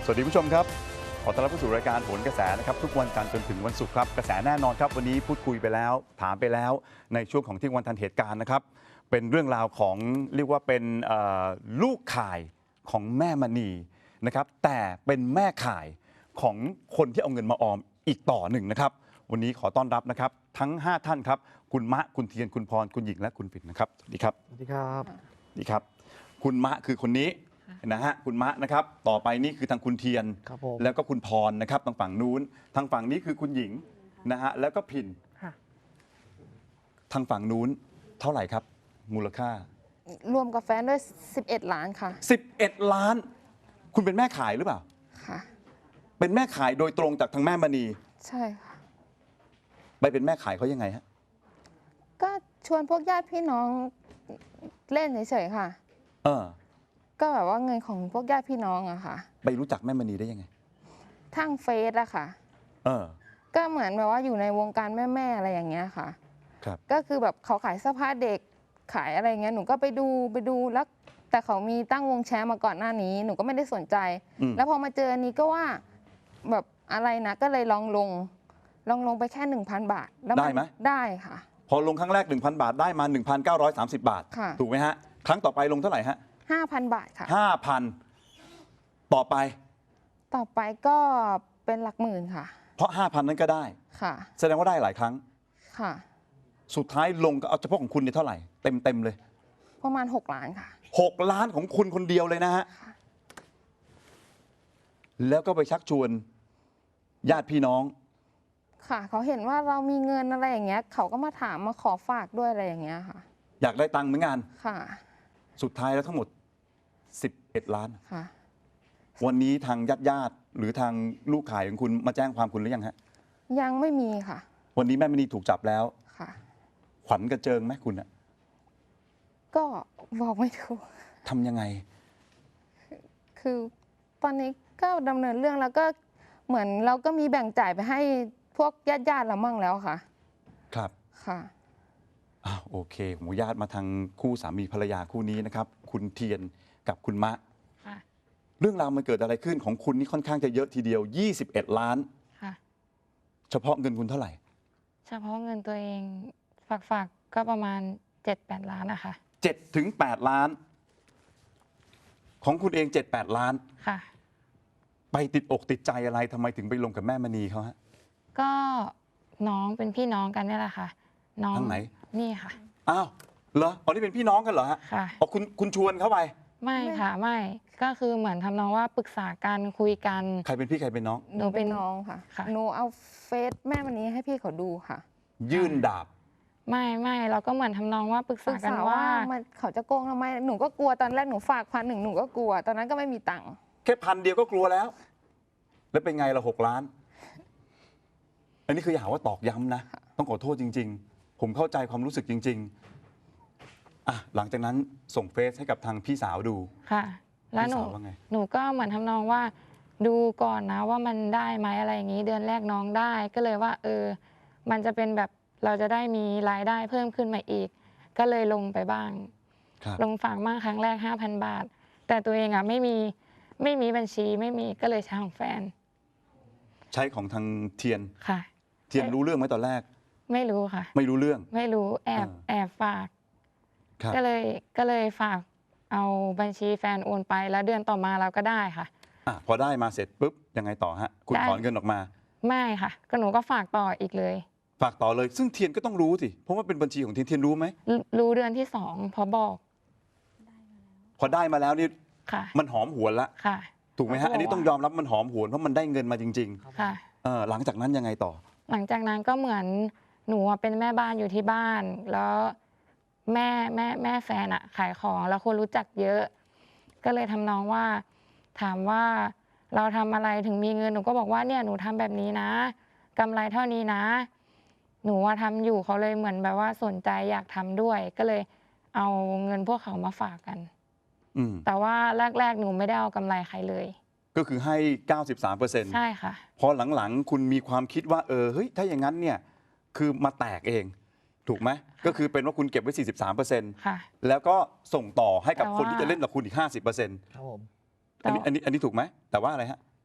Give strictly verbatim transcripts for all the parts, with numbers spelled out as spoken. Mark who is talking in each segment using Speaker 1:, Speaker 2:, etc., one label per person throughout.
Speaker 1: สวัสดีผู้ชมครับขอต้อนรับเข้าสู่รายการโหนกระแสนะครับทุกวันจันทร์จนถึงวันศุกร์ครับกระแสแน่นอนครับวันนี้พูดคุยไปแล้วถามไปแล้วในช่วงของเที่ยงวันทันเหตุการณ์นะครับเป็นเรื่องราวของเรียกว่าเป็นลูกข่ายของแม่มณีนะครับแต่เป็นแม่ข่ายของคนที่เอาเงินมาออมอีกต่อหนึ่งนะครับวันนี้ขอต้อนรับนะครับทั้งห้าท่านครับคุณมะคุณเทียนคุณพรคุณหญิงและคุณปิ่นนะครับสวัสดีครับ
Speaker 2: สวัสดีครับ
Speaker 1: สวัสดีครับคุณมะคือคนนี้นะฮะคุณมะนะครับต่อไปนี่คือทางคุณเทียนแล้วก็คุณพรนะครับทางฝั่งนู้นทางฝั่งนี้คือคุณหญิงนะฮะแล้วก็พินทางฝั่งนู้นเท่าไหร่ครับมูลค่าร
Speaker 3: วมกับแฟนด้วยสิบเอ็ดล้านค่ะ
Speaker 1: สิบเอ็ดล้านคุณเป็นแม่ขายหรือเปล่า
Speaker 3: ค่ะ
Speaker 1: เป็นแม่ขายโดยตรงจากทางแม่มณี
Speaker 3: ใช่ค่ะ
Speaker 1: ไปเป็นแม่ขายเขายังไงฮะ
Speaker 3: ก็ชวนพวกญาติพี่น้องเล่นเฉยๆค่ะ
Speaker 1: เออ
Speaker 3: ก็แบบว่าเงินของพวกญาติพี่น้องอะค่ะ
Speaker 1: ไปรู้จักแม่มณีได้ยังไง
Speaker 3: ทางเฟซอะค่ะ
Speaker 1: เออ
Speaker 3: ก็เหมือนแบบว่าอยู่ในวงการแม่ๆอะไรอย่างเงี้ยค่ะ
Speaker 1: ครับ
Speaker 3: ก็คือแบบเขาขายเสื้อผ้าเด็กขายอะไรเงี้ยหนูก็ไปดูไปดูแล้วแต่เขามีตั้งวงแชร์มาก่อนหน้านี้หนูก็ไม่ได้สนใจแล้วพอมาเจออันนี้ก็ว่าแบบอะไรนะก็เลยลองลงลองลงไปแค่ หนึ่งพัน บาท
Speaker 1: ได้ไหม
Speaker 3: ได้ค่ะ
Speaker 1: พอลงครั้งแรก หนึ่งพัน บาทได้มา หนึ่งพันเก้าร้อยสามสิบ บาทถูกไหมฮะครั้งต่อไปลงเท่าไหร่ฮะ
Speaker 3: ห้าพัน บาทค่ะ
Speaker 1: ห้าพันต่อไป
Speaker 3: ต่อไปก็เป็นหลักหมื่นค่ะ
Speaker 1: เพราะ ห้าพัน นั้นก็ได้
Speaker 3: ค่ะ
Speaker 1: แสดงว่าได้หลายครั้ง
Speaker 3: ค่ะ
Speaker 1: สุดท้ายลงก็เอาเฉพาะของคุณเนี่ยเท่าไหร่เต็มเต็มเลย
Speaker 3: ประมาณหกล้านค่ะ
Speaker 1: หกล้านของคุณคนเดียวเลยนะฮะแล้วก็ไปชักชวนญาติพี่น้อง
Speaker 3: ค่ะเขาเห็นว่าเรามีเงินอะไรอย่างเงี้ยเขาก็มาถามมาขอฝากด้วยอะไรอย่างเงี้ยค่ะ
Speaker 1: อยากได้ตังค์เหมือนกัน
Speaker 3: ค่ะ
Speaker 1: สุดท้ายแล้วทั้งหมดสิบเอ็ดล้าน
Speaker 3: ค่ะ
Speaker 1: วันนี้ทางญาติญาติหรือทางลูกขายของคุณมาแจ้งความคุณหรือยังฮะ
Speaker 3: ยังไม่มีค่ะ
Speaker 1: วันนี้แม่มณีถูกจับแล้ว
Speaker 3: ค่ะ
Speaker 1: ขวัญกระเจิงไหมคุณอะ
Speaker 3: ก็บอกไม่ถูก
Speaker 1: ทำยังไง
Speaker 3: คือตอนนี้ก็ดำเนินเรื่องแล้วก็เหมือนเราก็มีแบ่งจ่ายไปให้พวกญาติญาติเรามั่งแล้วค่ะ
Speaker 1: ครับ
Speaker 3: ค่ะ
Speaker 1: อ้าวโอเคผมญาติมาทางคู่สามีภรรยาคู่นี้นะครับคุณเทียนกับคุณมะเรื่องราวมันเกิดอะไรขึ้นของคุณนี่ค่อนข้างจะเยอะทีเดียวยี่สิบเอ็ดล้าน
Speaker 4: ค่ะ
Speaker 1: เฉพาะเงินคุณเท่าไหร่
Speaker 4: เฉพาะเงินตัวเองฝากฝากก็ประมาณเจ็ดแปดล้านนะคะ
Speaker 1: เจ็ดถึงแปดล้านของคุณเองเจ็ดแปดล้าน
Speaker 4: ค่ะ
Speaker 1: ไปติดอกติดใจอะไรทำไมถึงไปลงกับแม่มณีเขาฮะ
Speaker 4: ก็น้องเป็นพี่น้องกันนี่แหละค่ะน้อง
Speaker 1: ทางไหน
Speaker 4: นี่ค่ะ
Speaker 1: อ้าวเหรออ๋อนี่เป็นพี่น้องกันเหรอฮะ
Speaker 4: ค่ะ
Speaker 1: อ๋อคุณคุณชวนเขาไป
Speaker 4: ไม่ค่ะไม่ก็คือเหมือนทำนองว่าปรึกษากันคุยกัน
Speaker 1: ใครเป็นพี่ใครเป็นน้อง
Speaker 3: หนูเป็นน้องค่ะหนูเอาเฟซแม่มณีให้พี่เขาดูค่ะ
Speaker 1: ยื่นดาบ
Speaker 4: ไม่ไม่เราก็เหมือนทำนองว่าปรึกษากันว่า
Speaker 3: เขาจะโกงทำไมหนูก็กลัวตอนแรกหนูฝากพันหนึ่งหนูก็กลัวตอนนั้นก็ไม่มีตังค์
Speaker 1: แค่พันเดียวก็กลัวแล้วแล้วเป็นไงละหกล้านอันนี้คืออยากว่าตอกย้ำนะต้องขอโทษจริงๆผมเข้าใจความรู้สึกจริงๆอ่ะหลังจากนั้นส่งเฟซให้กับทางพี่สาวดู
Speaker 4: ค่ะแล้วหนูหนูก็เหมือนทำนองว่าดูก่อนนะว่ามันได้ไหมอะไรอย่างนี้เดือนแรกน้องได้ก็เลยว่าเออมันจะเป็นแบบเราจะได้มีรายได้เพิ่มขึ้นมาอีกก็เลยลงไปบ้างลงฝากบ้างครั้งแรก ห้าพัน บาทแต่ตัวเองอ่ะไม่มีไม่มีบัญชีไม่มีก็เลยใช้ของแฟน
Speaker 1: ใช้ของทางเทียน
Speaker 4: ค่ะ
Speaker 1: เทียนรู้เรื่องไหมตอนแรก
Speaker 4: ไม่รู้ค่ะ
Speaker 1: ไม่รู้เรื่อง
Speaker 4: ไม่รู้แอบแอบฝากก็เลยก็เลยฝากเอาบัญชีแฟนโอนไปแล้วเดือนต่อมาเราก็ได้ค่ะ
Speaker 1: อ่ะพอได้มาเสร็จปุ๊บยังไงต่อฮะคุณถอนเงินออกมา
Speaker 4: ไม่ค่ะก็หนูก็ฝากต่ออีกเลย
Speaker 1: ฝากต่อเลยซึ่งเทียนก็ต้องรู้สิเพราะว่าเป็นบัญชีของเทียนเทียนรู้ไหม
Speaker 4: รู้เดือนที่สองพอบอก
Speaker 1: พอได้มาแล้วนี่มันหอมหวนละ
Speaker 4: ค่ะ
Speaker 1: ถูกไหมฮะอันนี้ต้องยอมรับมันหอมหวนเพราะมันได้เงินมาจริง
Speaker 4: ๆค่ะ
Speaker 1: หลังจากนั้นยังไงต่อ
Speaker 4: หลังจากนั้นก็เหมือนหนูเป็นแม่บ้านอยู่ที่บ้านแล้วแม่แม่แม่แฟนอะขายของแล้วคนรู้จักเยอะก็เลยทำนองว่าถามว่าเราทำอะไรถึงมีเงินหนูก็บอกว่าเนี่ยหนูทำแบบนี้นะกำไรเท่านี้นะหนูว่าทำอยู่เขาเลยเหมือนแบบว่าสนใจอยากทำด้วยก็เลยเอาเงินพวกเขามาฝากกันแต่ว่าแรกๆหนูไม่ได้เอากำไรใครเลย
Speaker 1: ก็คือให้ เก้าสิบสามเปอร์เซ็นต์
Speaker 4: ใช่ค่ะ
Speaker 1: พอหลังๆคุณมีความคิดว่าเออเฮ้ยถ้าอย่างนั้นเนี่ยคือมาแตกเองถูกไหมก็คือเป็นว่าคุณเก็บไว้ สี่สิบสามเปอร์เซ็นต์
Speaker 4: ค่ะ
Speaker 1: แล้วก็ส่งต่อให้กับคนที่จะเล่นกับคุณอีก ห้าสิบเปอร์เซ็นต์
Speaker 2: ครับผม
Speaker 1: อันนี้อันนี้อันนี้ถูกไหมแต่ว่าอะไรฮะ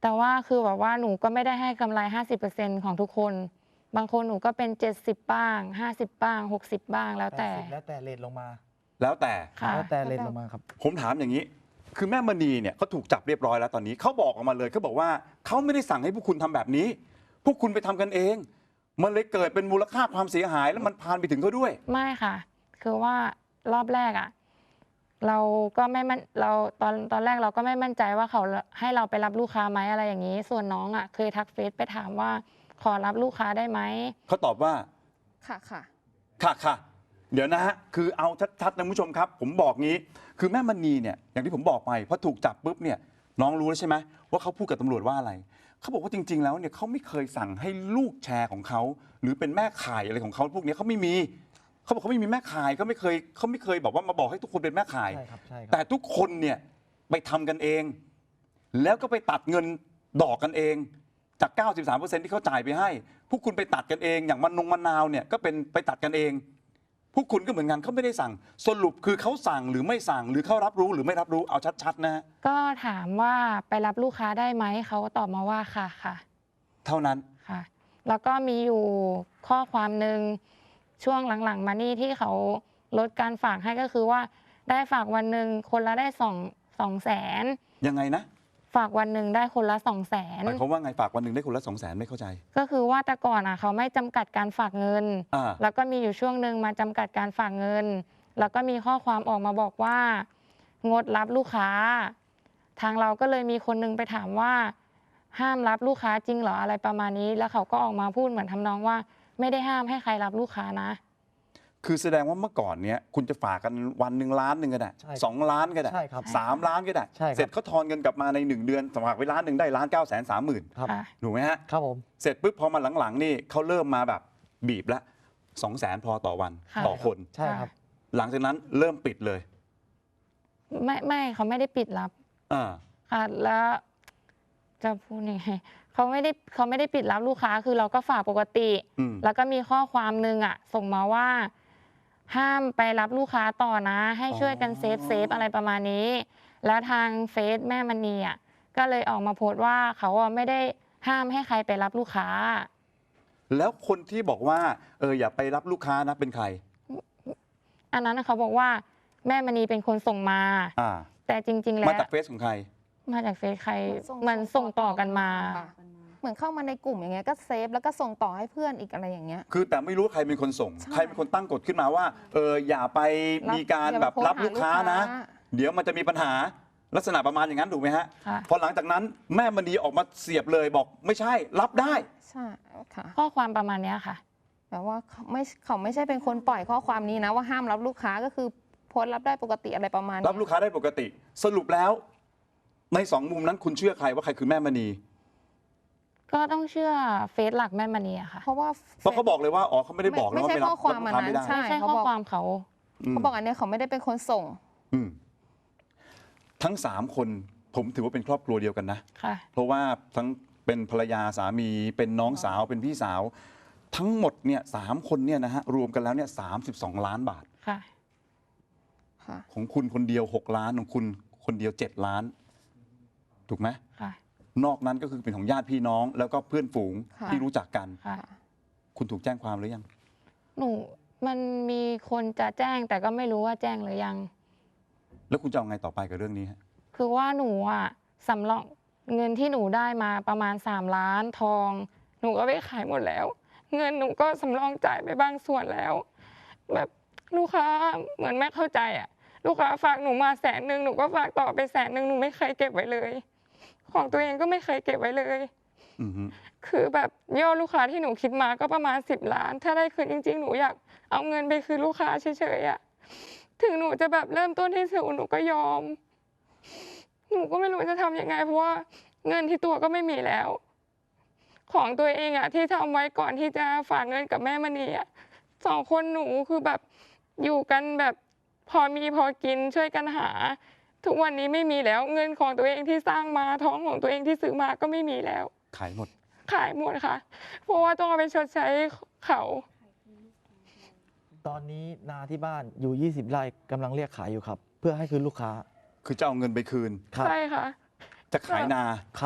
Speaker 4: แต่ว่าคือแบบว่าหนูก็ไม่ได้ให้กำไร ห้าสิบเปอร์เซ็นต์ ของทุกคน บางคนหนูก็เป็น เจ็ดสิบ บ้าง ห้าสิบ บ้าง หกสิบ บ้างแล้วแต่
Speaker 2: แปดสิบแล้วแต่เรทลงมา
Speaker 1: แล้วแต่
Speaker 4: ค่ะ
Speaker 2: แล้วแต่เรทลงมาครับ
Speaker 1: ผมถามอย่างนี้ คือแม่มณีเนี่ยเขาถูกจับเรียบร้อยแล้วตอนนี้เขาบอกออกมาเลยเขาบอกว่าเขาไม่ได้สั่งให้พวกคุณทำแบบนี้ พวกคุณไปทำกันเอง มันเลยเกิดเป็นมูลค่าความเสียหายแล้วมันพานไปถึงเขาด้วย
Speaker 4: ไม่ค่ะ คือว่ารอบแรกอ่ะ เราก็ไม่มั่นเราตอนตอนแรกเราก็ไม่มั่นใจว่าเขาให้เราไปรับลูกค้าไหมอะไรอย่างนี้ ส่วนน้องอ่ะเคยทักเฟซไปถามว่าขอรับลูกค้าได้ไหม
Speaker 1: เขาตอบว่า
Speaker 3: ค่ะค่ะ
Speaker 1: ค่ะค่ะเดี๋ยวนะฮะ คือเอาชัดๆนะคุณผู้ชมครับ ผมบอกงี้ คือแม่มณีเนี่ย อย่างที่ผมบอกไปพอถูกจับปุ๊บเนี่ย น้องรู้แล้วใช่ไหมว่าเขาพูดกับตำรวจว่าอะไร เขาบอกว่าจริง ๆ แล้วเนี่ยเขาไม่เคยสั่งให้ลูกแชร์ของเขา หรือเป็นแม่ขายอะไรของเขาพวกนี้เขาไม่มี เขาบอกเขาไม่มีแม่ขายเขาไม่เคยเขาไม่เคยบอกว่ามาบอกให้ทุกคนเป็นแม่ขาย
Speaker 2: ใช่ครับใช่ครับ
Speaker 1: แต่ทุกคนเนี่ยไปทำกันเอง แล้วก็ไปตัดเงินดอกกันเอง จาก เก้าสิบสามเปอร์เซ็นต์ ที่เขาจ่ายไปให้ พวกคุณไปตัดกันเอง อย่างมันนงมะนาวเนี่ยก็เป็นไปตัดกันเอง พวกคุณก็เหมือนกันเขาไม่ได้สั่ง สรุปคือเขาสั่งหรือไม่สั่ง หรือเขารับรู้หรือไม่รับรู้ เอาชัดๆนะฮะ
Speaker 4: ก็ถามว่าไปรับลูกค้าได้ไหม เขาก็ตอบมาว่าค่ะค่ะ
Speaker 1: เท่านั้น
Speaker 4: ค่ะ แล้วก็มีอยู่ข้อความหนึ่งช่วงหลังๆ มานี่ที่เขาลดการฝากให้ก็คือว่าได้ฝากวันหนึ่งคนละได้สองสองแสน
Speaker 1: ยังไงนะ
Speaker 4: ฝากวันหนึ่งได้คนละสองแสน
Speaker 1: หมายความว่าไงฝากวันหนึ่งได้คนละสองแสนไม่เข้าใจ
Speaker 4: ก็คือว่าแต่ก่อนอ่ะเขาไม่จำกัดการฝากเงิน
Speaker 1: อ่า
Speaker 4: แล้วก็มีอยู่ช่วงหนึ่งมาจำกัดการฝากเงิน แล้วก็มีข้อความออกมาบอกว่า งดรับลูกค้า ทางเราก็เลยมีคนนึงไปถามว่า ห้ามรับลูกค้าจริงเหรออะไรประมาณนี้ แล้วเขาก็ออกมาพูดเหมือนทำนองว่า ไม่ได้ห้ามให้ใครรับลูกค้านะ
Speaker 1: คือแสดงว่าเมื่อก่อนเนี้ยคุณจะฝากกันวันหนึ่งล้านหนึ่งก็ได้
Speaker 2: ใช่
Speaker 1: สองล้านก็ได้
Speaker 2: ใช่ครับ
Speaker 1: สามล้านก็ได้
Speaker 2: ใช่ครับ
Speaker 1: เสร็จเขาทอนเงินกลับมาในหนึ่งเดือนฝากไว้ล้านหนึ่งได้ล้านเก้าแสนสามหมื่น
Speaker 2: ครับ
Speaker 4: ค่ะ
Speaker 1: ถูกไหมฮะ
Speaker 2: ครับผม
Speaker 1: เสร็จปุ๊บพอมาหลังๆนี่เขาเริ่มมาแบบบีบละสองแสนพอต่อวัน
Speaker 4: ค่ะ
Speaker 1: ต่อคน
Speaker 2: ใช่ครับ
Speaker 1: หลังจากนั้นเริ่มปิดเลย
Speaker 4: ไม่ไม่เขาไม่ได้ปิดรับ
Speaker 1: อ่า
Speaker 4: ค่ะแล้วจะพูดยังไงเขาไม่ได้เขาไม่ได้ปิดรับลูกค้าคือเราก็ฝากปกติ
Speaker 1: อืม
Speaker 4: แล้วก็มีข้อความหนึ่งอ่ะ ส่งมาว่า ห้ามไปรับลูกค้าต่อนะ ให้ช่วยกันเซฟเซฟอะไรประมาณนี้ แล้วทางเฟซแม่มณีอ่ะก็เลยออกมาโพสต์ว่าเขาอ่ะไม่ได้ห้ามให้ใครไปรับลูกค้า
Speaker 1: แล้วคนที่บอกว่าเอออย่าไปรับลูกค้านะเป็นใคร
Speaker 4: อันนั้นเขาบอกว่าแม่มณีเป็นคนส่งมา
Speaker 1: อ่า
Speaker 4: แต่จริง ๆ แล้ว
Speaker 1: มาจากเฟซของใคร
Speaker 4: มาจากเฟซใคร
Speaker 3: ส่ง
Speaker 4: มันส่งต่อกันมา
Speaker 3: ค่ะ เหมือนเข้ามาในกลุ่มอย่างเงี้ยก็เซฟแล้วก็ส่งต่อให้เพื่อนอีกอะไรอย่างเงี้ย
Speaker 1: คือแต่ไม่รู้ว่าใครเป็นคนส่ง
Speaker 3: ใช่
Speaker 1: ใครเป็นคนตั้งกฎขึ้นมาว่าเอออย่าไปมีการ
Speaker 3: อย่า
Speaker 1: แบ
Speaker 3: ไป
Speaker 1: บ
Speaker 3: โพสต์
Speaker 1: รับลูกค้า
Speaker 3: หาลูกค้า
Speaker 1: นะ เดี๋ยวมันจะมีปัญหาลักษณะประมาณอย่างนั้นถูกไหมฮะ
Speaker 4: ค่ะ
Speaker 1: พอหลังจากนั้นแม่มณีออกมาเสียบเลยบอกไม่ใช่รับได้
Speaker 3: ใช่ค่ะ
Speaker 4: ข้อความประมาณเนี้ยค่ะ
Speaker 3: แต่ว่าเขาไม่เขาไม่ใช่เป็นคนปล่อยข้อความนี้นะว่าห้ามรับลูกค้าก็คือโพสต์รับได้ปกติอะไรประมาณนี้
Speaker 1: รับลูกค้าได้ปกติ สรุปแล้ว ในสองมุมนั้นคุณเชื่อใครว่าใครคือแม่มณี
Speaker 4: ก็ต้องเชื่อเฟซหลักแม่มณีอะค่ะ
Speaker 3: เพราะว่า
Speaker 1: เพราะเขาบอกเลยว่าอ๋อเขาไม่ได้บอกนะ
Speaker 3: ไม่
Speaker 1: ว่า
Speaker 3: ใช่
Speaker 1: ไม่รับ
Speaker 3: ข้อความอัน
Speaker 1: รับ
Speaker 3: นั้
Speaker 1: ลูก
Speaker 3: น
Speaker 1: ค้าไม่ได้
Speaker 3: ใช่
Speaker 4: ไม่ใช่
Speaker 3: เขา
Speaker 4: ข้อ
Speaker 3: บอก
Speaker 4: ความเขา
Speaker 1: อืม
Speaker 3: เขาบอกอันเนี้ยเขาไม่ได้เป็นคนส่ง
Speaker 1: อืมทั้งสามคนผมถือว่าเป็นครอบครัวเดียวกันนะ
Speaker 4: ค่ะ
Speaker 1: เพราะว่าทั้งเป็นภรรยาสามีเป็นน้องสาวเป็นพี่สาว ทั้งหมดเนี่ยสามคนเนี่ยนะฮะรวมกันแล้วเนี่ยสามสิบสองล้านบาท
Speaker 4: ค่ะ
Speaker 3: ค่ะ
Speaker 1: ของคุณคนเดียวหกล้านของคุณคนเดียวเจ็ดล้าน ถูกไหม
Speaker 4: ค่ะ
Speaker 1: นอกนั้นก็คือเป็นของญาติพี่น้อง แล้วก็เพื่อนฝูง
Speaker 3: ค่ะ
Speaker 1: ที่รู้จักกัน
Speaker 4: ค่ะ
Speaker 1: คุณถูกแจ้งความหรือยัง
Speaker 4: หนูมันมีคนจะแจ้งแต่ก็ไม่รู้ว่าแจ้งหรือยัง
Speaker 1: แล้วคุณจะเอาไงต่อไปกับเรื่องนี้ฮะ
Speaker 4: คือว่าหนูอะสำรองเงินที่หนูได้มาประมาณสามล้านทอง หนูก็ไปขายหมดแล้ว เงินหนูก็สำรองจ่ายไปบางส่วนแล้ว แบบลูกค้าเหมือนไม่เข้าใจอะลูกค้าฝากหนูมาแสนหนึ่งหนูก็ฝากต่อไปแสนหนึ่งหนูไม่เคยเก็บไว้เลย ของตัวเองก็ไม่เคยเก็บไว้เลย
Speaker 1: อือฮึ
Speaker 4: คือแบบยอดลูกค้าที่หนูคิดมาก็ประมาณสิบล้าน ถ้าได้คืนจริง ๆ หนูอยากเอาเงินไปคืนลูกค้าเฉยๆอะถึงหนูจะแบบเริ่มต้นที่ศูนย์หนูก็ยอม หนูก็ไม่รู้จะทำยังไงเพราะว่าเงินที่ตัวก็ไม่มีแล้ว ของตัวเองอะที่ทำไว้ก่อนที่จะฝากเงินกับแม่มณีอะสองคนหนูคือแบบอยู่กันแบบพอมีพอกินช่วยกันหา ทุกวันนี้ไม่มีแล้ว เงินของตัวเองที่สร้างมาท้องของตัวเองที่ซื้อมาก็ไม่มีแล้ว
Speaker 1: ขายหมด
Speaker 4: ขายหมดค่ะ เพราะว่าต้องเอาไปชดใช้เขา
Speaker 2: ตอนนี้นาที่บ้านอยู่ ยี่สิบ ไร่กำลังเรียกขายอยู่ครับ เพื่อให้คืนลูกค้า
Speaker 1: คือจะเอาเงินไปคืน
Speaker 2: ครับ
Speaker 4: ใช่ค่ะ
Speaker 1: จะขายนา
Speaker 2: ครับ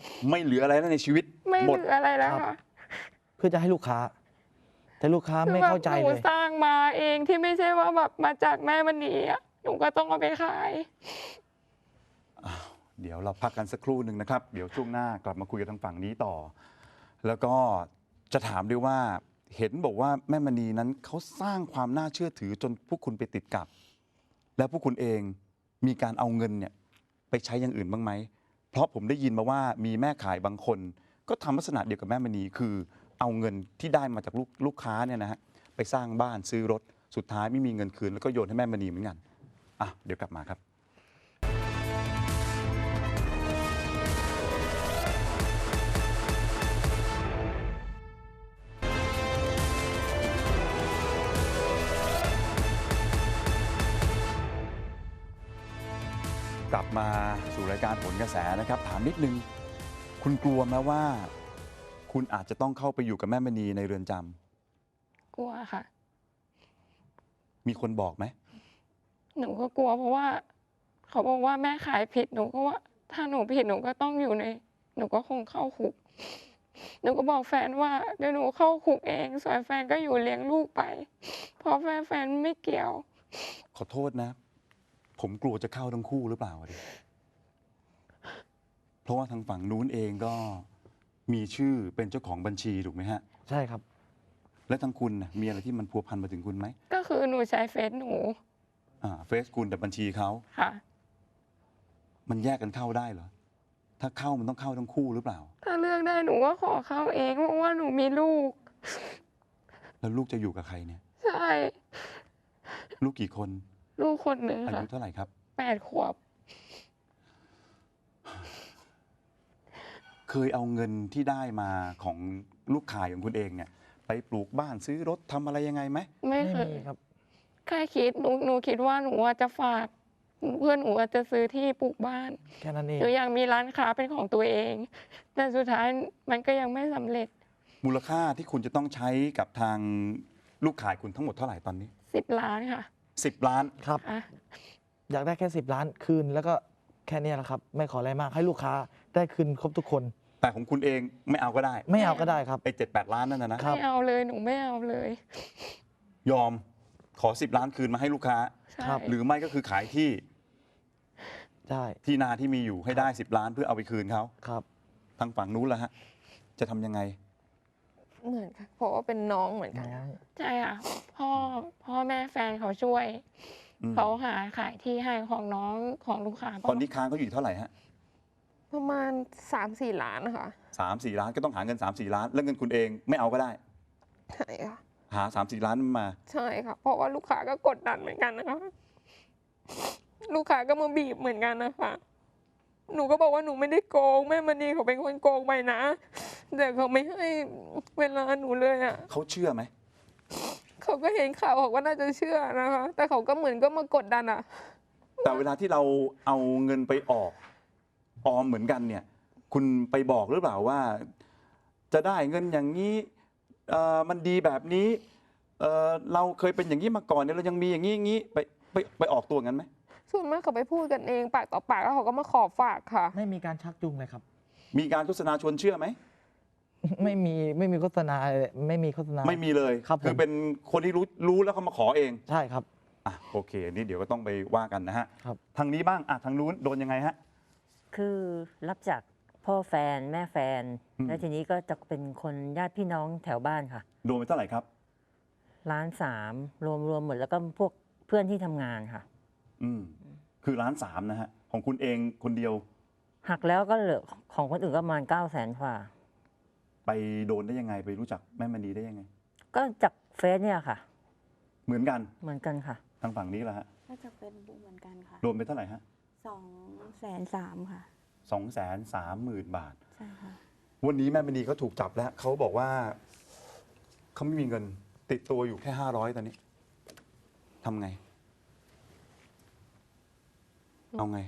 Speaker 1: ไม่เหลืออะไรแล้วในชีวิต
Speaker 4: ไม่
Speaker 1: หม
Speaker 4: เห
Speaker 1: ด
Speaker 4: ลืออะไรแล้ว
Speaker 2: ครับ
Speaker 4: ค่ะ
Speaker 2: เพื่อจะให้ลูกค้า แต่ลูกค้าไม่เข้าใจ
Speaker 4: คือแบบห
Speaker 2: เล
Speaker 4: นู
Speaker 2: ย
Speaker 4: สร้างมาเองที่ไม่ใช่ว่าแบบมาจากแม่มณีอะหนูก็ต้องเอาไปขาย
Speaker 1: เดี๋ยวเราพักกันสักครู่หนึ่งนะครับ เดี๋ยวช่วงหน้ากลับมาคุยกับทางฝั่งนี้ต่อ แล้วก็จะถามด้วยว่าเห็นบอกว่าแม่มณีนั้นเขาสร้างความน่าเชื่อถือจนพวกคุณไปติดกับ แล้วพวกคุณเองมีการเอาเงินเนี่ยไปใช้อย่างอื่นบ้างไหม เพราะผมได้ยินมาว่ามีแม่ขายบางคน ก็ทำลักษณะเดียวกับแม่มณีคือเอาเงินที่ได้มาจากลูกลูกค้าเนี่ยนะฮะไปสร้างบ้านซื้อรถสุดท้ายไม่มีเงินคืนแล้วก็โยนให้แม่มณีเหมือนกันอ่ะเดี๋ยวกลับมาครับ กลับมาสู่รายการผลกระแสนะครับ ถามนิดนึง คุณกลัวไหมว่า คุณอาจจะต้องเข้าไปอยู่กับแม่มณีในเรือนจำ
Speaker 4: กลัวค่ะ
Speaker 1: มีคนบอกไหม
Speaker 4: หนูก็กลัวเพราะว่า เขาบอกว่าแม่ขายผิดหนูก็ว่า ถ้าหนูผิดหนูก็ต้องอยู่ใน หนูก็คงเข้าคุก หนูก็บอกแฟนว่าเดี๋ยวหนูเข้าคุกเองส่วนแฟนก็อยู่เลี้ยงลูกไป เพราะแฟนแฟนไม่เกี่ยว
Speaker 1: ขอโทษนะ ผมกลัวจะเข้าทั้งคู่หรือเปล่าดิเพราะว่าทางฝั่งนู้นเองก็มีชื่อเป็นเจ้าของบัญชีถูกไหมฮะ
Speaker 2: ใช่ครับ
Speaker 1: และทางคุณน่ะมีอะไรที่มันพัวพันมาถึงคุณไหม
Speaker 4: ก็คือหนูใช้เฟซหนู
Speaker 1: อ่าเฟซคุณแต่บัญชีเขา
Speaker 4: ค่ะ
Speaker 1: มันแยกกันเข้าได้เหรอ ถ้าเข้ามันต้องเข้าทั้งคู่หรือเปล่า
Speaker 4: ถ้าเลือกได้หนูก็ขอเข้าเองเพราะว่าหนูมีลูก
Speaker 1: แล้วลูกจะอยู่กับใครเนี่ย
Speaker 4: ใช่
Speaker 1: ลูกกี่คน
Speaker 4: ลูกคนหนึ่ง
Speaker 1: อา
Speaker 4: ค่ะ
Speaker 1: ยุเท่าไหร่ครับ
Speaker 4: แปดขวบ
Speaker 1: เคยเอาเงินที่ได้มาของลูกขายของคุณเองเนี่ย ไปปลูกบ้านซื้อรถทำอะไรยังไงไหม
Speaker 4: ไม่
Speaker 2: ไม่
Speaker 4: เคย
Speaker 2: มีครับ
Speaker 4: แค่คิดหนูหนูคิดว่าหนูอะจะฝาก เพื่อนหนูอะจะซื้อที่ปลูกบ้าน
Speaker 2: แค่นั้นเอง
Speaker 4: หนูอยากมีร้านค้าเป็นของตัวเอง แต่สุดท้ายมันก็ยังไม่สำเร็จ
Speaker 1: มูลค่าที่คุณจะต้องใช้กับทางลูกขายคุณทั้งหมดเท่าไหร่ตอนนี้
Speaker 4: สิบล้านค่ะ
Speaker 1: สิบล้าน
Speaker 2: ครับ
Speaker 4: อ่ะ
Speaker 2: อยากได้แค่สิบล้านคืนแล้วก็แค่เนี้ยแหละครับ ไม่ขออะไรมากให้ลูกค้าได้คืนครบทุกคน
Speaker 1: แต่ของคุณเองไม่เอาก็ได้
Speaker 2: ไม่เอาก็ได้ครับ
Speaker 1: ไอ้เจ็ดแปดล้านนั่นนะนะ
Speaker 2: ครับ
Speaker 4: ไม่เอาเลยหนูไม่เอาเลย
Speaker 1: ยอมขอสิบล้านคืนมาให้ลูกค้า
Speaker 4: ใช่
Speaker 2: ครับ
Speaker 1: หรือไม่ก็คือขายที่
Speaker 2: ใช่
Speaker 1: ที่นาที่มีอยู่ให้ได้สิบล้านเพื่อเอาไปคืนเขา
Speaker 2: ครับ
Speaker 1: ทางฝั่งนู้นละฮะ จะทำยังไง
Speaker 3: เหมือนกันเพราะว่าเป็นน้องเหมือนกัน
Speaker 2: น้อง
Speaker 4: ใช่ค่ะพ่อพ่อแม่แฟนเขาช่วย
Speaker 1: อืม
Speaker 4: เขาหาขายที่ให้ของน้องของลูกค้า
Speaker 1: ตอนนี้ค้างเขาอยู่เท่าไหร่ฮะ
Speaker 3: ประมาณสามสี่ล้านนะคะ
Speaker 1: สามสี่ล้านก็ต้องหาเงินสามสี่ล้าน แล้วเงินคุณเองไม่เอาก็ได้
Speaker 3: ใช่ค่ะ
Speaker 1: หาสามสี่ล้านมา
Speaker 3: ใช่ค่ะ เพราะว่าลูกค้าก็กดดันเหมือนกันนะคะ ลูกค้าก็มาบีบเหมือนกันนะคะ หนูก็บอกว่าหนูไม่ได้โกงแม่มณีเขาเป็นคนโกงไปนะ แต่เขาไม่ให้เวลาหนูเลยอ่ะ
Speaker 1: เขาเชื่อไหม
Speaker 3: เขาก็เห็นข่าวเขาก็น่าจะเชื่อนะคะ แต่เขาก็เหมือนก็มากดดันอ่ะ
Speaker 1: แต่เวลาที่เราเอาเงินไปออกออมเหมือนกันเนี่ย คุณไปบอกหรือเปล่าว่า จะได้เงินอย่างนี้เอ่อมันดีแบบนี้เอ่อเราเคยเป็นอย่างนี้มาก่อนเนี่ยเรายังมีอย่างนี้อย่างนี้ไปไปไปออกตัวงั้นไหม
Speaker 3: ส่วนมากเขาไปพูดกันเองปากต่อปากแล้วเขาก็มาขอฝากค่ะ
Speaker 2: ไม่มีการชักจูงเลยครับ
Speaker 1: มีการโฆษณาชวนเชื่อไหม
Speaker 2: ไม่มีไม่มีโฆษณาเลยไม่มีโฆษณา
Speaker 1: ไม่มีเลย
Speaker 2: ครับผม
Speaker 1: อเป็นคนที่รู้รู้แล้วเขามาขอเอง
Speaker 2: ใช่ครับ
Speaker 1: อ่ะโอเคอันนี่เดี๋ยวก็ต้องไปว่ากันนะฮะ
Speaker 2: ครับ
Speaker 1: ทางนี้บ้างอ่ะทางนู้นโดนยังไงฮะ
Speaker 5: คือรับจากพ่อแฟนแม่แฟน
Speaker 1: อืม
Speaker 5: แล้วทีนี้ก็จะเป็นคนญาติพี่น้องแถวบ้านค่ะ
Speaker 1: โดนไปเท่าไหร่ครับ
Speaker 5: ล้านสามรวมรวมหมดแล้วก็พวกเพื่อนที่ทำงานค่ะ
Speaker 1: อืมคือล้านสามนะฮะของคุณเองคนเดียว
Speaker 5: หักแล้วก็เหลือของคนอื่นก็ประมาณเก้าแสนกว่า
Speaker 1: ไปโดนได้ยังไงไปรู้จักแม่มณีได้ยังไง
Speaker 5: ก็จากเฟซเนี่ยค่ะ
Speaker 1: เหมือนกัน
Speaker 5: เหมือนกันค่ะ
Speaker 1: ทางฝั่งนี้แหละฮะ
Speaker 6: ก็จะเป็นบุ๊กเหมือนกันค่ะ
Speaker 1: โดนไปเท่าไหร่ฮะ
Speaker 6: สองแสนสามค่ะ
Speaker 1: สองแสนสามหมื่นบาท
Speaker 6: ใช่ค่ะ
Speaker 1: วันนี้แม่มณีเขาถูกจับแล้วเขาบอกว่าเขาไม่มีเงินติดตัวอยู่แค่ห้าร้อยตอนนี้ทำไง เอาไง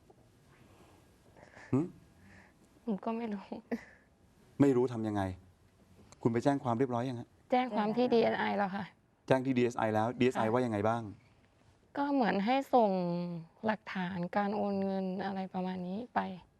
Speaker 1: หึ
Speaker 4: หนูก็ไม่รู้
Speaker 1: ไม่รู้ทำยังไง คุณไปแจ้งความเรียบร้อยยังฮะ
Speaker 4: แจ้งความที่ ดี เอส ไอ แล้วค่ะ
Speaker 1: แจ้งที่ ดี เอส ไอ แล้ว ดี เอส ไอ
Speaker 4: ค่ะ
Speaker 1: ว่ายังไงบ้าง
Speaker 4: ก็เหมือนให้ส่งหลักฐานการโอนเงินอะไรประมาณนี้ไป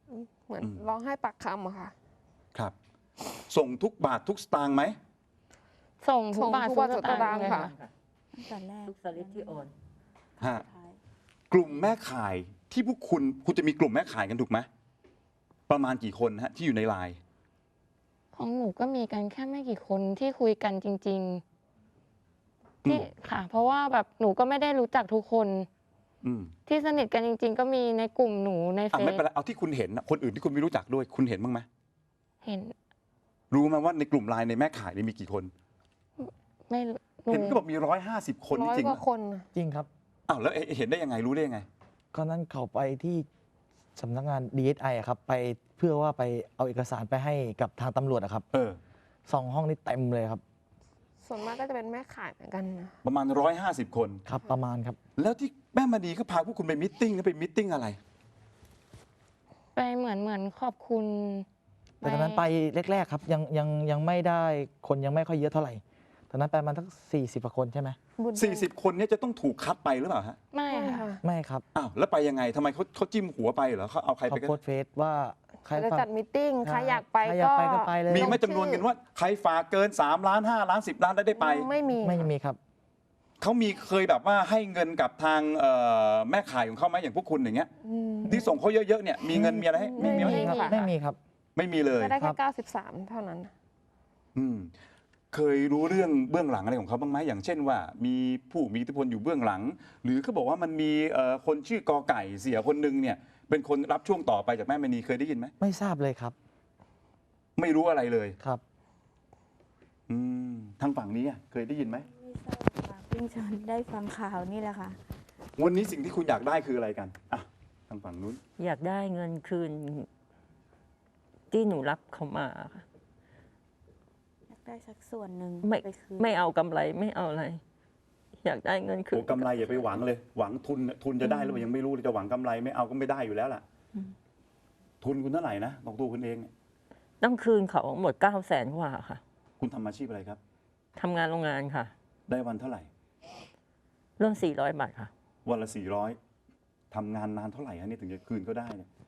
Speaker 3: เหมือน
Speaker 1: อืม
Speaker 3: ร้องไห้ปากคำอะค่ะ
Speaker 1: ครับ ส่งทุกบาททุกสตางค์ไหม
Speaker 4: ส่งทุ
Speaker 3: ส่
Speaker 4: ก
Speaker 3: ง
Speaker 4: บาท
Speaker 3: ทุ
Speaker 4: ทุ
Speaker 3: ก
Speaker 4: ก
Speaker 3: บาท
Speaker 4: ส
Speaker 3: ทุก
Speaker 4: ตา
Speaker 3: สตาง งค์
Speaker 4: ค์เลย
Speaker 3: ค่ะ
Speaker 4: ค่ะ
Speaker 6: ตั้งแต่แรก
Speaker 5: ทุกสลิปที่โอน
Speaker 1: ฮะ
Speaker 6: สุดท้าย
Speaker 1: กลุ่มแม่ข่ายที่พวกคุณคุณจะมีกลุ่มแม่ข่ายกันถูกไหมประมาณกี่คนฮะที่อยู่ในไลน์
Speaker 4: ของหนูก็มีกันแค่ไม่กี่คนที่คุยกันจริง ๆ ที่
Speaker 1: อืม
Speaker 4: ค่ะ เพราะว่าแบบหนูก็ไม่ได้รู้จักทุกคน
Speaker 1: อืม
Speaker 4: ที่สนิทกันจริง ๆ ก็มีในกลุ่มหนูใน
Speaker 1: อ่ะ
Speaker 4: เฟ
Speaker 1: ไม่
Speaker 4: ซ
Speaker 1: เป็นไรเอาที่คุณเห็นนะคนอื่นที่คุณไม่รู้จักด้วย คุณเห็นบ้างไหม
Speaker 4: เห็น
Speaker 1: รู้ไหมว่าในกลุ่มไลน์ในแม่ข่ายเนี่ยมีกี่คน
Speaker 4: ไม่รู้หนู
Speaker 1: เห็นก็บอกมีร้อยห้าสิบคน
Speaker 3: ร้อย
Speaker 1: จริง
Speaker 3: ก
Speaker 1: ๆ
Speaker 3: ว่า
Speaker 1: อะ
Speaker 3: คนน่ะ
Speaker 2: จริงครับ
Speaker 1: อ้าวแล้วเห็นได้ยังไงรู้ได้ยังไง
Speaker 2: ก็นั้นเขาไปที่สำนักงาน ดี เอส ไอ อะครับไปเพื่อว่าไปเอาเอกสารไปให้กับทางตำรวจอะครับ
Speaker 1: เออ
Speaker 2: สองห้องนี้เต็มเลยครับ
Speaker 3: ส่วนมากก็จะเป็นแม่ขายเหมือนกันนะ
Speaker 1: ประมาณร้อยห้าสิบคน
Speaker 2: ครับประมาณครับ
Speaker 1: แล้วที่แม่มณีก็พาพวกคุณไปมิทติ้งแล้วไปมิทติ้งอะไร
Speaker 4: ไปเหมือนเหมือนขอบคุณ
Speaker 2: แต่ตอนนั้นไปแรกๆครับยังยังยังไม่ได้คนยังไม่ค่อยเยอะเท่าไหร่ตอนนั้นไปประมาณทั้งสี่สิบกว่าคนใช่ไหม
Speaker 3: บุญ
Speaker 1: สี่สิบคนเนี้จะต้องถูกคัดไปหรือเปล่าฮะ
Speaker 4: ไม่
Speaker 3: ใช่
Speaker 4: ค่ะ
Speaker 3: ค่ะ
Speaker 2: ไม่ครับ
Speaker 1: อ้าวแล้วไปยังไงทำไมเขาเขาจิ้มหัวไปเหรอเขาเอาใคร
Speaker 2: เขา
Speaker 1: ไปกัน
Speaker 2: โพสต์เฟซว่าใคร
Speaker 3: จะ
Speaker 2: ฟัง
Speaker 3: จัดมิทติ้งใครอยากไป
Speaker 2: ใครอยากไปก็ไปเลย
Speaker 1: มีไหม่จำนวนกันว่าใครฝากเกินสามล้านห้าล้านสิบล้านได้ได้ไป
Speaker 3: ไม่มี
Speaker 2: ไม่
Speaker 3: ค่ะ
Speaker 2: มีครับ
Speaker 1: เขามีเคยแบบว่าให้เงินกับทางเอ่อแม่ขายของเขาไหมอย่างพวกคุณอย่างเงี้ย
Speaker 3: อืม
Speaker 1: ที่ส่งเขาเยอะๆเนี่ยมีเงินมีอะไรให้
Speaker 3: ไม่
Speaker 1: มีไหม
Speaker 3: มี
Speaker 2: ครับ
Speaker 3: ค่ะ
Speaker 2: ไม่มีครับ
Speaker 1: ไม่มีเลย
Speaker 3: ก็ได้
Speaker 2: ครั
Speaker 3: แค่
Speaker 2: บ
Speaker 3: เก้าสิบสามเท่านั้น
Speaker 1: อืมเคยรู้เรื่องเบื้องหลังอะไรของเขาบ้างไหมอย่างเช่นว่า มีผู้มีอิทธิพลอยู่เบื้องหลัง หรือเขาบอกว่ามันมีเอ่อคนชื่อกอไก่เสียคนหนึ่งเนี่ย เป็นคนรับช่วงต่อไปจากแม่มณีเคยได้ยินไหม
Speaker 2: ไม่ทราบเลยครับ
Speaker 1: ไม่รู้อะไรเลย
Speaker 2: ครับ
Speaker 1: อืมทางฝั่งนี้อะเคยได้ยินไหม
Speaker 6: ไม่ทราบค่ะเพิ่งจะได้ฟังข่าวนี่แหละค่ะ
Speaker 1: วันนี้สิ่งที่คุณอยากได้คืออะไรกันอ่ะทางฝั่งนู้น
Speaker 5: อยากได้เงินคืน ที่หนูรับเขามาค่ะ
Speaker 6: อยากได้สักส่วนหนึ่ง
Speaker 5: ไม่
Speaker 6: ไปคืน
Speaker 5: ไม่เอากำไรไม่เอาอะไร อยากได้เงินคื
Speaker 1: โอ้
Speaker 5: น
Speaker 1: กำไรอย่าไปหวังเลย หวังทุนทุนจะได้หรือเปล่ายังไม่รู้เลยจะหวังกำไรไม่เอาก็ไม่ได้อยู่แล้วล่ะ ทุนคุณเท่าไหร่นะบอกตัวคุณเองเนี่ย
Speaker 5: ต้องคืนเขาหมดเก้าแสนกว่าค่ะ
Speaker 1: คุณทำอาชีพอะไรครับ
Speaker 5: ทำงานโรงงานค่ะ
Speaker 1: ได้วันเท่าไหร่
Speaker 5: เริ่มสี่ร้อยบาทค่ะ
Speaker 1: วันละสี่ร้อยทำงานนานเท่าไหร่ฮะเนี่ยถึงจะคืนก็ได้เนี่ย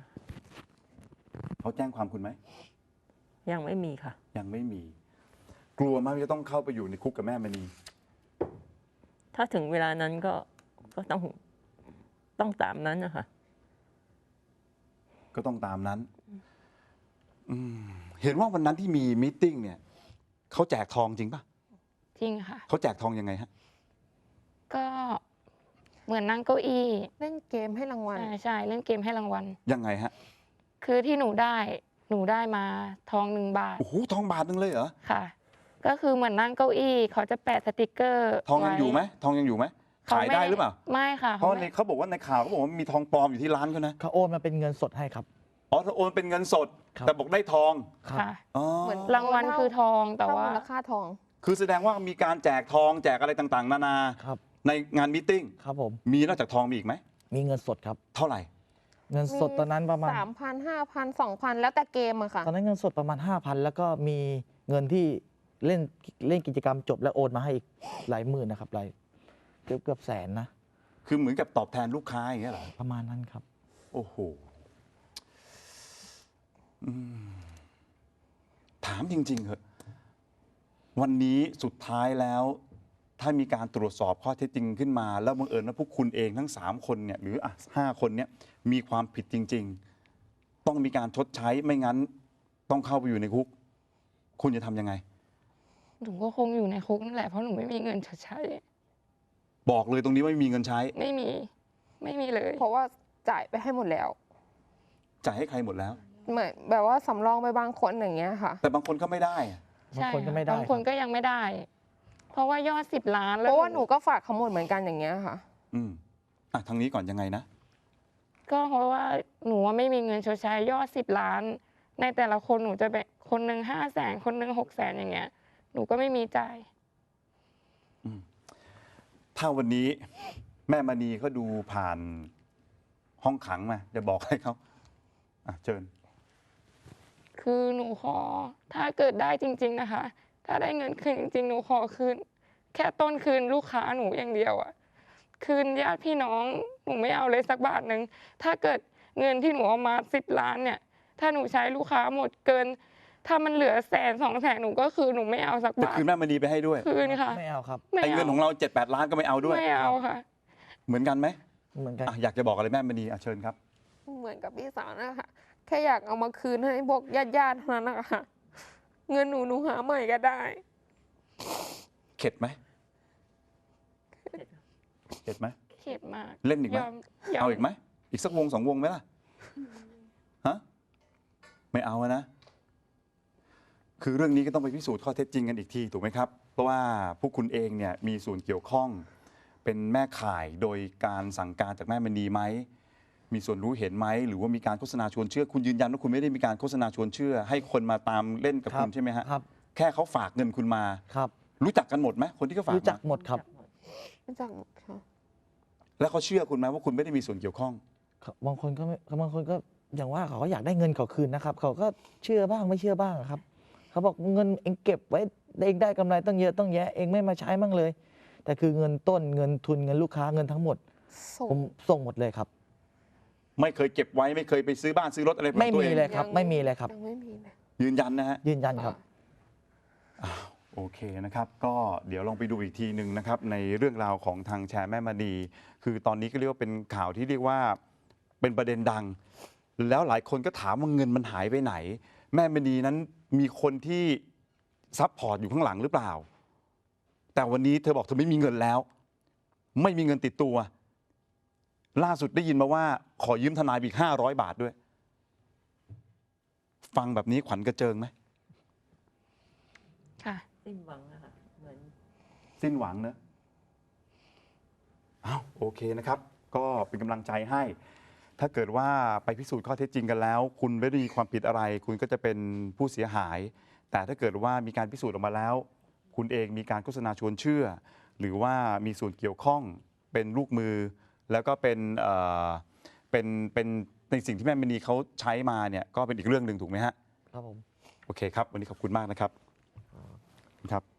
Speaker 1: เขาแจ้งความคุณไหม
Speaker 5: ยังไม่มีค่ะ
Speaker 1: ยังไม่มี กลัวมากว่าจะต้องเข้าไปอยู่ในคุกกับแม่มณี
Speaker 5: ถ้าถึงเวลานั้นก็ก็ต้องต้องตามนั้นนะคะ
Speaker 1: ก็ต้องตามนั้นอืมเห็นว่าวันนั้นที่มีมีตติ้งเนี่ยเขาแจกทองจริงปะ
Speaker 4: จริงค่ะ
Speaker 1: เขาแจกทองยังไงฮะ
Speaker 4: ก็เหมือนนั่งเก้าอี้
Speaker 3: เล่นเกมให้รางวัล
Speaker 4: ใช่ใช่เล่นเกมให้รางวัล
Speaker 1: ยังไงฮะ
Speaker 4: คือที่หนูได้หนูได้มาทองหนึ่งบาท
Speaker 1: โอ้โหทองบาทนึงเลยเหรอ
Speaker 4: ค่ะ ก็คือเหมือนนั่งเก้าอี้เขาจะแปะสติกเกอร์
Speaker 1: ทองยัง
Speaker 4: ว้
Speaker 1: อยู่ไหมทองยังอยู่ไหม
Speaker 4: เขา
Speaker 1: ขายได้หรือเปล่า
Speaker 4: ไม่ค่ะ
Speaker 1: เพราะ
Speaker 4: ไม่
Speaker 1: ในเขาบอกว่าในข่าวเขาบอกว่ามีทองปลอมอยู่ที่ร้านเขานะ
Speaker 2: เขาโอนมาเป็นเงินสดให้ครับ
Speaker 1: อ๋อถ้าโอนเป็นเงินสด
Speaker 2: ครับ
Speaker 1: แต่บอกได้ทอง
Speaker 2: ครับ
Speaker 4: ค่ะ
Speaker 1: อ๋อ
Speaker 3: เหมือน
Speaker 4: รางวัลคือทองแต่
Speaker 3: เท่า
Speaker 4: ว่า
Speaker 3: มูลค่าทอง
Speaker 1: คือแสดงว่ามีการแจกทองแจกอะไรต่างๆ นานา
Speaker 2: ครับ
Speaker 1: ในงานมีตติ้ง
Speaker 2: ครับผม
Speaker 1: มีนอกจากทองมีอีกไหม
Speaker 2: มีเงินสดครับ
Speaker 1: เท่าไหร่
Speaker 2: เงินสดตอนนั้นประมาณ
Speaker 3: สามพันห้าพันสองพันแล้วแต่เกมอะค่ะ
Speaker 2: ตอนนั้นเงินสดประมาณ ห้าพัน แล้วก็มีเงินที่เล่นเล่นกิจกรรมจบแล้วโอนมาให้อีกหลายหมื่นนะครับหลายเกือบเกือบแสนนะ
Speaker 1: คือเหมือนกับตอบแทนลูกค้าอย่างเงี้ยเหรอ
Speaker 2: ประมาณนั้นครับ
Speaker 1: โอ้โหอืมถามจริงๆเหอะวันนี้สุดท้ายแล้ว ถ้ามีการตรวจสอบข้อเท็จจริงขึ้นมา แล้วบังเอิญว่าพวกคุณเองทั้งสามคนเนี่ยหรืออ่ะห้าคนเนี่ยมีความผิดจริง ๆ ต้องมีการชดใช้ไม่งั้น ต้องเข้าไปอยู่ในคุก คุณจะทำยังไง
Speaker 4: หนูก็คงอยู่ในคุกนั่นแหละเพราะหนูไม่มีเงินชดใช้
Speaker 1: บอกเลยตรงนี้ว่าไม่มีเงินใช้
Speaker 4: ไม่มีไม่มีเลย
Speaker 3: เพราะว่าจ่ายไปให้หมดแล้ว
Speaker 1: จ่ายให้ใครหมดแล้ว
Speaker 3: เหมือนแบบว่าสำรองไปบางคนอย่างเงี้ยค่ะ
Speaker 1: แต่บางคนก็ไม่ได้อะ
Speaker 2: บางคนก็ไม่ได้
Speaker 4: บางคน
Speaker 2: ครับ
Speaker 4: ก็ยังไม่ได้ เพราะว่ายอดสิบล้าน
Speaker 3: เพ
Speaker 4: แล้ว
Speaker 3: ราะว่าหนูก็ฝากเขาหมดเหมือนกันอย่างเงี้ยค่ะ
Speaker 1: อืมอ่ะทางนี้ก่อนยังไงนะ
Speaker 4: ก็เพราะว่าหนูว่าไม่มีเงินชดใช้ยอดสิบล้าน ในแต่ละคนหนูจะแบ่งคนหนึ่งห้าแสนคนหนึ่งหกแสนอย่างเงี้ย หนูก็ไม่มีจ่าย
Speaker 1: ถ้าวันนี้แม่มณีเขาดูผ่านห้องขังมาจะบอกให้เขาอ่ะเชิญ
Speaker 4: คือหนูขอถ้าเกิดได้จริง ๆนะคะ ถ้าได้เงินคืนจริงๆหนูขอคืนแค่ต้นคืนลูกค้าหนูอย่างเดียวอะคืนญาติพี่น้องหนูไม่เอาเลยสักบาทหนึ่งถ้าเกิดเงินที่หนูเอามาสิบล้านเนี่ยถ้าหนูใช้ลูกค้าหมดเกิน ถ้ามันเหลือแสนสองแสนหนูก็คือหนูไม่เอาสัก
Speaker 1: จะ
Speaker 4: บาท
Speaker 1: คืนแม่มณีไปให้ด้วย
Speaker 4: คืนค่ะ
Speaker 2: ไม่เอาครับ
Speaker 4: ไม่
Speaker 1: ไอ้
Speaker 4: เอา
Speaker 1: เงินของเราเจ็ดแปดล้านก็ไม่เอาด้วย
Speaker 4: ไม่เอาค่ะ
Speaker 1: เหมือนกันไหม
Speaker 2: เหมือนกัน
Speaker 1: อ่ะอยากจะบอกอะไรแม่มณีอ่ะเชิญครับ
Speaker 3: เหมือนกับพี่สาวนะคะแค่อยากเอามาคืนให้พวกญาติญาติๆเท่านั้นนะคะเงินหนูหนูหาใหม่ก็ได้
Speaker 1: เข็ดไหมเข็ดไหม
Speaker 4: เข็ดมาก
Speaker 1: เล่นอีกไหม
Speaker 4: ยอมย
Speaker 1: เอาอีกไหมอีกสักวงสองวงไหมล่ะฮะไม่เอาอะนะ คือเรื่องนี้ก็ต้องไปพิสูจน์ข้อเท็จจริงกันอีกทีถูกไหมครับ เพราะว่าพวกคุณเองเนี่ยมีส่วนเกี่ยวข้อง เป็นแม่ข่ายโดยการสั่งการจากแม่มณีไหมมีส่วนรู้เห็นไหมหรือว่ามีการโฆษณาชวนเชื่อคุณยืนยันว่าคุณไม่ได้มีการโฆษณาชวนเชื่อ ให้คนมาตามเล่นกับ
Speaker 2: ครับ
Speaker 1: คุณใช่ไหมฮะ
Speaker 2: ครับ
Speaker 1: แค่เขาฝากเงินคุณมา
Speaker 2: ครับ
Speaker 1: รู้จักกันหมดไหมคนที่เขาฝาก
Speaker 2: รู้จัก
Speaker 1: มา
Speaker 2: หมดครับ
Speaker 3: รู้จักหมดค่ะ
Speaker 1: แล้วเขาเชื่อคุณไหมว่าคุณไม่ได้มีส่วนเกี่ยวข้อง
Speaker 2: บางคนก็ไม่บางคนก็อย่างว่าเขาก็อยากได้เงินเขาคืนนะครับ เขาก็เชื่อบ้างไม่เชื่อบ้างครับ เขาบอกเงินเองเก็บไว้เองได้กำไรตั้งเยอะต้องแยะเองไม่มาใช้มั่งเลย แต่คือเงินต้นเงินทุนเงินลูกค้าเงินทั้งหมด
Speaker 3: ส่
Speaker 2: ผ
Speaker 3: ง
Speaker 2: มส่งหมดเลยครับ
Speaker 1: ไม่เคยเก็บไว้ไม่เคยไปซื้อบ้านซื้อรถอะไรของ
Speaker 2: ไม่
Speaker 1: ตัว
Speaker 2: มี
Speaker 1: เอง
Speaker 2: เลยครับ ไม่มีเลยครับ
Speaker 3: ยังไม่มีเลย
Speaker 1: ยืนยันนะฮะ
Speaker 2: ยืนยันครับ
Speaker 1: อ้าวโอเคนะครับ ก็เดี๋ยวลองไปดูอีกทีหนึ่งนะครับ ในเรื่องราวของทางแชร์แม่มณีคือตอนนี้ก็เรียกว่าเป็นข่าวที่เรียกว่าเป็นประเด็นดัง แล้วหลายคนก็ถามว่าเงินมันหายไปไหน แม่มณีนั้นมีคนที่ซัพพอร์ตอยู่ข้างหลังหรือเปล่า แต่วันนี้เธอบอกเธอไม่มีเงินแล้ว ไม่มีเงินติดตัว ล่าสุดได้ยินมาว่าขอยืมทนายอีกห้าร้อยบาทด้วย ฟังแบบนี้ขวัญกระเจิงไหม
Speaker 4: ค่ะ
Speaker 5: สิ้นหวังอะค่ะเหมือน
Speaker 1: สิ้นหวังเนอะอ้าวโอเคนะครับ ก็เป็นกำลังใจให้ ถ้าเกิดว่าไปพิสูจน์ข้อเท็จจริงกันแล้ว คุณไม่ได้มีความผิดอะไร คุณก็จะเป็นผู้เสียหาย แต่ถ้าเกิดว่ามีการพิสูจน์ออกมาแล้ว คุณเองมีการโฆษณาชวนเชื่อ หรือว่ามีส่วนเกี่ยวข้องเป็นลูกมือ แล้วก็เป็นเอ่อเป็นเป็นในสิ่งที่แม่มณีเขาใช้มาเนี่ยก็เป็นอีกเรื่องหนึ่งถูกไหมฮะ
Speaker 2: ครับผม
Speaker 1: โอเคครับ วันนี้ขอบคุณมากนะครับครับ